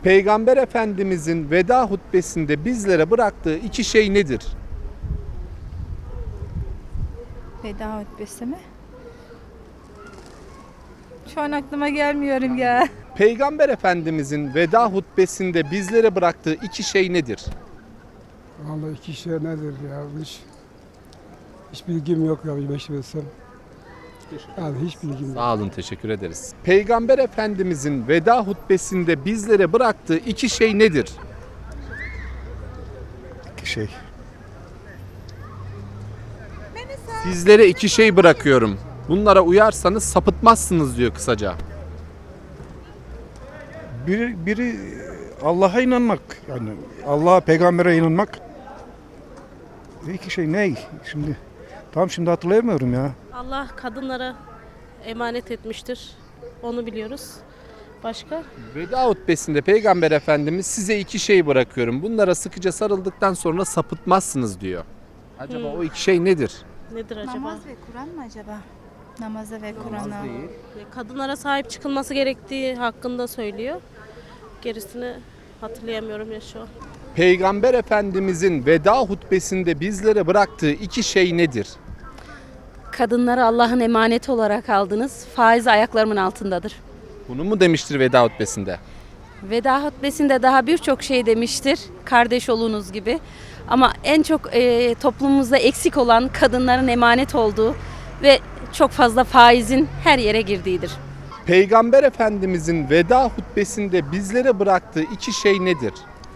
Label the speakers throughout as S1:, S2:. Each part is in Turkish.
S1: Peygamber Efendimizin veda hutbesinde bizlere bıraktığı iki şey nedir?
S2: Veda hutbesi mi? Şu an aklıma gelmiyorum ya.
S1: Peygamber Efendimizin veda hutbesinde bizlere bıraktığı iki şey nedir?
S3: Vallahi iki şey nedir ya? Hiç bilgim yok ya, bilmem. Abi hiç bilgim yok.
S1: Sağ olun, teşekkür ederiz. Peygamber Efendimizin veda hutbesinde bizlere bıraktığı iki şey nedir?
S3: İki şey.
S1: Sizlere iki şey bırakıyorum. Bunlara uyarsanız sapıtmazsınız diyor kısaca.
S3: Biri Allah'a inanmak, yani Allah'a, peygambere inanmak. İki şey ne? Şimdi hatırlayamıyorum ya.
S4: Allah kadınlara emanet etmiştir. Onu biliyoruz. Başka?
S1: Veda hutbesinde Peygamber Efendimiz size iki şey bırakıyorum. Bunlara sıkıca sarıldıktan sonra sapıtmazsınız diyor. Acaba o iki şey nedir?
S4: Nedir acaba?
S2: Namaz ve Kur'an mı acaba? Namaza ve Kur'an'a.
S4: Kadınlara sahip çıkılması gerektiği hakkında söylüyor. Gerisini hatırlayamıyorum ya şu an.
S1: Peygamber Efendimizin veda hutbesinde bizlere bıraktığı iki şey nedir?
S5: Kadınları Allah'ın emaneti olarak aldınız. Faiz ayaklarımın altındadır.
S1: Bunu mu demiştir veda hutbesinde?
S5: Veda hutbesinde daha birçok şey demiştir. Kardeş olunuz gibi. Ama en çok toplumumuzda eksik olan kadınların emanet olduğu ve çok fazla faizin her yere girdiğidir.
S1: Peygamber Efendimizin veda hutbesinde bizlere bıraktığı iki şey nedir?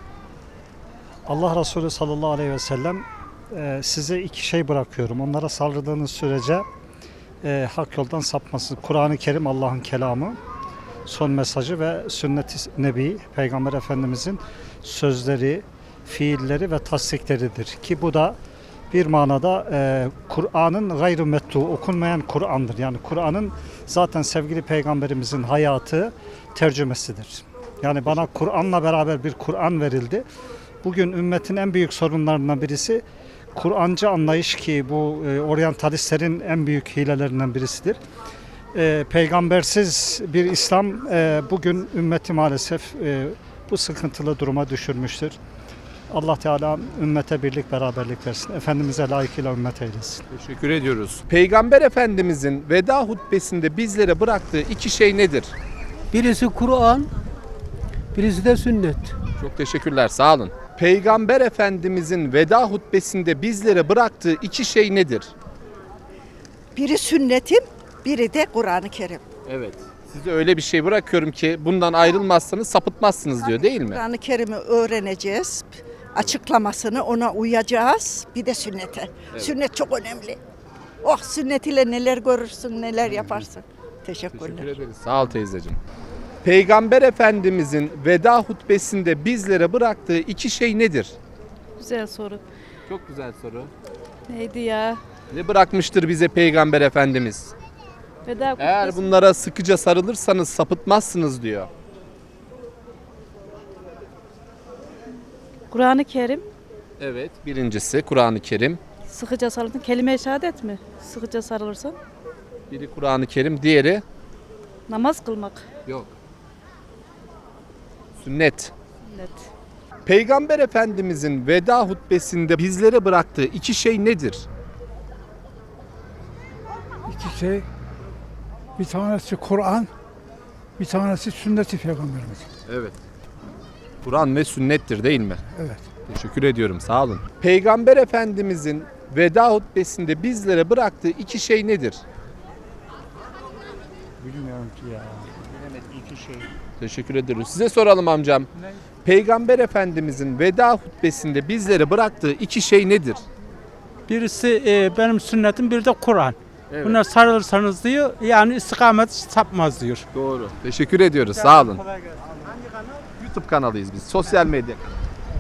S6: Allah Resulü sallallahu aleyhi ve sellem size iki şey bırakıyorum. Onlara saldırdığınız sürece hak yoldan sapmasın. Kur'an-ı Kerim Allah'ın kelamı, son mesajı ve sünnet-i nebi, Peygamber Efendimizin sözleri, fiilleri ve tasdikleridir. Ki bu da bir manada Kur'an'ın gayrı mettu, okunmayan Kur'an'dır. Yani Kur'an'ın zaten sevgili Peygamberimizin hayatı tercümesidir. Yani bana Kur'an'la beraber bir Kur'an verildi. Bugün ümmetin en büyük sorunlarından birisi Kur'ancı anlayış, ki bu oryantalistlerin en büyük hilelerinden birisidir. Peygambersiz bir İslam bugün ümmeti maalesef bu sıkıntılı duruma düşürmüştür. Allah Teala ümmete birlik beraberlik versin. Efendimiz'e layıkıyla ümmet eylesin.
S1: Teşekkür ediyoruz. Peygamber Efendimizin veda hutbesinde bizlere bıraktığı iki şey nedir?
S7: Birisi Kur'an, birisi de sünnet.
S1: Çok teşekkürler, sağ olun. Peygamber Efendimizin veda hutbesinde bizlere bıraktığı iki şey nedir?
S8: Biri sünnetim, biri de Kur'an-ı Kerim.
S1: Evet. Size öyle bir şey bırakıyorum ki bundan ayrılmazsanız sapıtmazsınız diyor, değil mi?
S8: Kur'an-ı Kerim'i öğreneceğiz, açıklamasını ona uyacağız, bir de sünnete.
S1: Evet.
S8: Sünnet çok önemli. Oh, sünnet ile neler görürsün, neler yaparsın. Teşekkürler.
S1: Teşekkür ederiz. Sağ ol teyzeciğim. Peygamber Efendimizin veda hutbesinde bizlere bıraktığı iki şey nedir?
S2: Güzel soru.
S1: Çok güzel soru.
S2: Neydi ya?
S1: Ne bırakmıştır bize Peygamber Efendimiz?
S2: Veda
S1: Eğer
S2: hutbesi.
S1: bunlara sıkıca sarılırsanız sapıtmazsınız diyor.
S2: Kur'an-ı Kerim.
S1: Evet, birincisi Kur'an-ı Kerim.
S2: Sıkıca sarılırsan. Kelime-i şehadet mi? Sıkıca sarılırsan.
S1: Biri Kur'an-ı Kerim, diğeri
S2: Namaz kılmak.
S1: yok. Sünnet.
S2: Sünnet.
S1: Peygamber Efendimizin veda hutbesinde bizlere bıraktığı iki şey nedir?
S3: İki şey. Bir tanesi Kur'an, bir tanesi sünnet-i peygamberimiz.
S1: Evet. Kur'an ve sünnettir, değil mi?
S3: Evet.
S1: Teşekkür ediyorum, sağ olun. Peygamber Efendimizin veda hutbesinde bizlere bıraktığı iki şey nedir?
S3: Bilmiyorum ki ya. İki şey.
S1: Teşekkür ediyoruz. Size soralım amcam. Peygamber Efendimizin veda hutbesinde bizlere bıraktığı iki şey nedir?
S7: Birisi benim sünnetim, biri de Kur'an.
S1: Evet.
S7: Buna sarılırsanız diyor, yani istikamet sapmaz diyor.
S1: Doğru. Teşekkür ediyoruz. Sağ olun. YouTube kanalıyız biz. Sosyal medya.